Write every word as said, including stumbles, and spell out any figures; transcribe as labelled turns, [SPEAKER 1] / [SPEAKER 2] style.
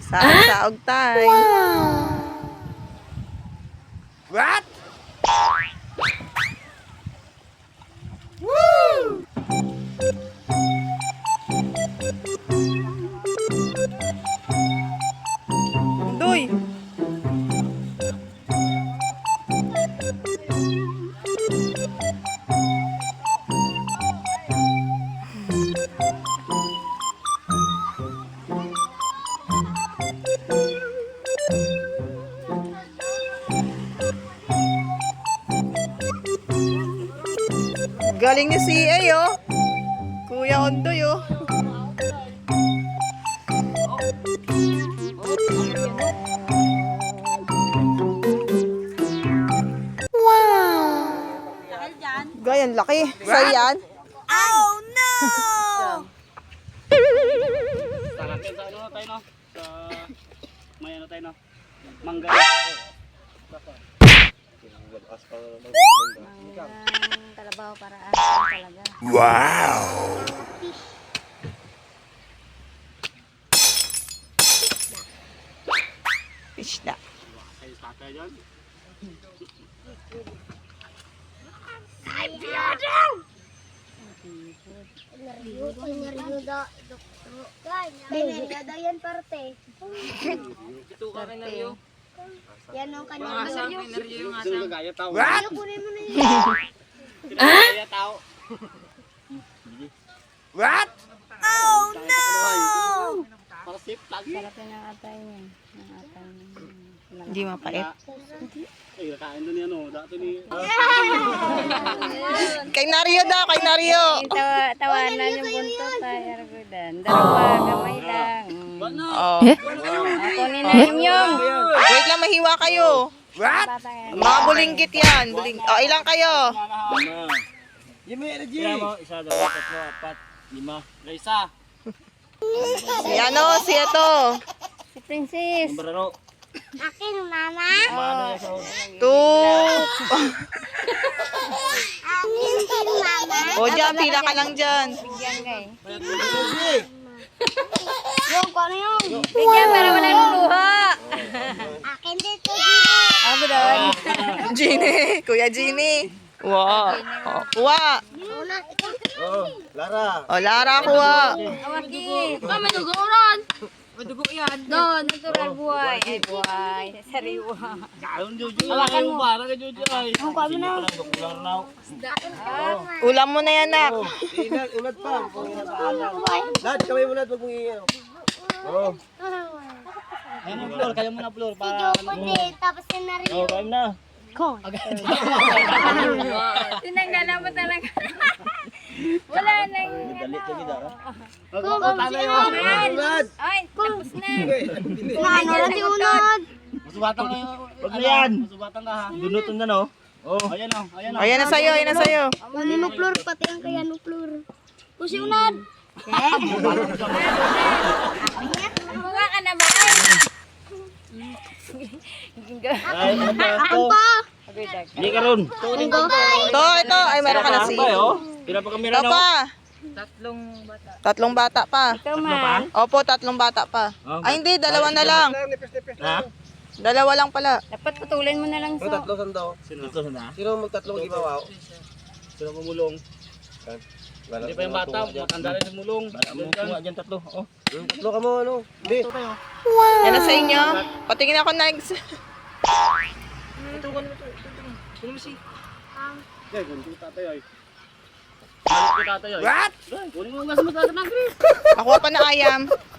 [SPEAKER 1] Saog-saog tayo.
[SPEAKER 2] What?
[SPEAKER 1] Doy. Galing ni C A oh. Kuya Ondoy oh. Gayan, laki. Sa'yo yan?
[SPEAKER 3] Oh no!
[SPEAKER 4] Tarakin sa ano tayo no? Sa may ano tayo no? Mangga.
[SPEAKER 3] Ang kalabaw para asin talaga.
[SPEAKER 2] Wow!
[SPEAKER 1] Fish na.
[SPEAKER 4] Ay, tatay dyan.
[SPEAKER 3] Yan parte.
[SPEAKER 4] Ito ka rin na rin.
[SPEAKER 3] Yan ang kanyang
[SPEAKER 4] Mga sa akin na rin yung asang. Gaya tao.
[SPEAKER 2] What?
[SPEAKER 3] Kunin mo na yun.
[SPEAKER 4] Gaya tao.
[SPEAKER 2] What?
[SPEAKER 3] Oh no!
[SPEAKER 4] Para safe lang.
[SPEAKER 3] Sarap yun ang atay niya. Ang atay niya.
[SPEAKER 1] Hindi mapait.
[SPEAKER 4] Ay, nakain doon yan o. Dato ni...
[SPEAKER 1] Kay Nario daw, kay Nario.
[SPEAKER 3] Tawa, tawanan yung buntot ay argudan. Dalawa, gamay lang.
[SPEAKER 4] Ano?
[SPEAKER 1] Oh.
[SPEAKER 3] Kunin na yung yung.
[SPEAKER 1] Wait lang, mahiwa kayo.
[SPEAKER 2] What?
[SPEAKER 1] Mga bulinggit yan. Buling... Oh, ilang kayo?
[SPEAKER 4] Jimmy, energy! Kaya mo, isa, dalawa, tatlo, apat, lima. Isa.
[SPEAKER 1] Si ano, si ito.
[SPEAKER 3] Si Princess.
[SPEAKER 4] Sombrero.
[SPEAKER 3] Akin, mama.
[SPEAKER 4] Mano yan sa...
[SPEAKER 1] Two.
[SPEAKER 3] Akin, mama.
[SPEAKER 1] O dyan, pila ka lang dyan.
[SPEAKER 3] Bigyan kay. Yung, kung ano yung? Bigyan para wala nang luha. Akin dito, Gino. Ako doon.
[SPEAKER 1] Genie. Kuya Genie. Wow. Oh, kuha.
[SPEAKER 3] Una, ikaw.
[SPEAKER 2] Oh, Lara.
[SPEAKER 1] O, Lara, kuha.
[SPEAKER 3] Awaki. Ah, may dugo ron. May dugo yan. Doon, natural buhay. Ay, buhay. Sariwa.
[SPEAKER 4] Kaon, Jojo. Hawakan mo. Para ka, Jojo. Ay.
[SPEAKER 3] Ang kami na.
[SPEAKER 4] Kular na.
[SPEAKER 1] Ulam mo na yan, nak.
[SPEAKER 2] Inad, unad pa. Lad, kamay mo lad, wag mong iiyaw. Oh.
[SPEAKER 4] Ayun yung floor. Kaya mo na floor. Para...
[SPEAKER 3] Joko din. Tapos yung narinig.
[SPEAKER 4] Oh, kain na.
[SPEAKER 3] Tinanggalan mo talaga. Wala nang
[SPEAKER 4] Dali ka gida.
[SPEAKER 3] Magkukumpay yun.
[SPEAKER 2] Lad!
[SPEAKER 3] Ay, tapos na. Ano na si Unod?
[SPEAKER 4] Masubatan ka yun. Huwag na yan. Masubatan ka ha. Dunutan na no. Oh. Ayan o. Ayan o.
[SPEAKER 1] Ayan na sa'yo, ayan na sa'yo.
[SPEAKER 3] Ano no flor, pati ang kaya no flor. O si Unod. Mga ka na ba?
[SPEAKER 4] Ay, ano ba?
[SPEAKER 3] Ako pa.
[SPEAKER 4] Hindi ka ron.
[SPEAKER 1] Ito, ito. Ay, meron ka na si.
[SPEAKER 4] Ay, oh. Pila pa kamera
[SPEAKER 1] Ito
[SPEAKER 4] no?
[SPEAKER 1] pa. Tatlong bata pa.
[SPEAKER 3] Ito man.
[SPEAKER 1] Opo, tatlong bata pa. Ay, hindi. Dalawa na lang.
[SPEAKER 4] Ha?
[SPEAKER 1] Dalawa lang pala.
[SPEAKER 3] Dapat putulin mo na lang
[SPEAKER 2] Yung
[SPEAKER 3] so.
[SPEAKER 2] tatlo saan daw?
[SPEAKER 4] Sino? Ito sana.
[SPEAKER 2] Sino magtatlong ibabaw?
[SPEAKER 4] Sino kumulong? Hindi pa yung bata. Matanda rin sa mulong. Tunga dyan tatlo. Oh.
[SPEAKER 2] Yung tatlo ka mo, ano? Hindi.
[SPEAKER 1] Yan na sa inyo. Patingin ako next.
[SPEAKER 4] Sino mo si? Eh, ganito tatay ay. Balik ko tatay ay.
[SPEAKER 2] What?
[SPEAKER 4] Kunin mo nga sa mga tatay ng Chris.
[SPEAKER 1] Ako pa na ayam.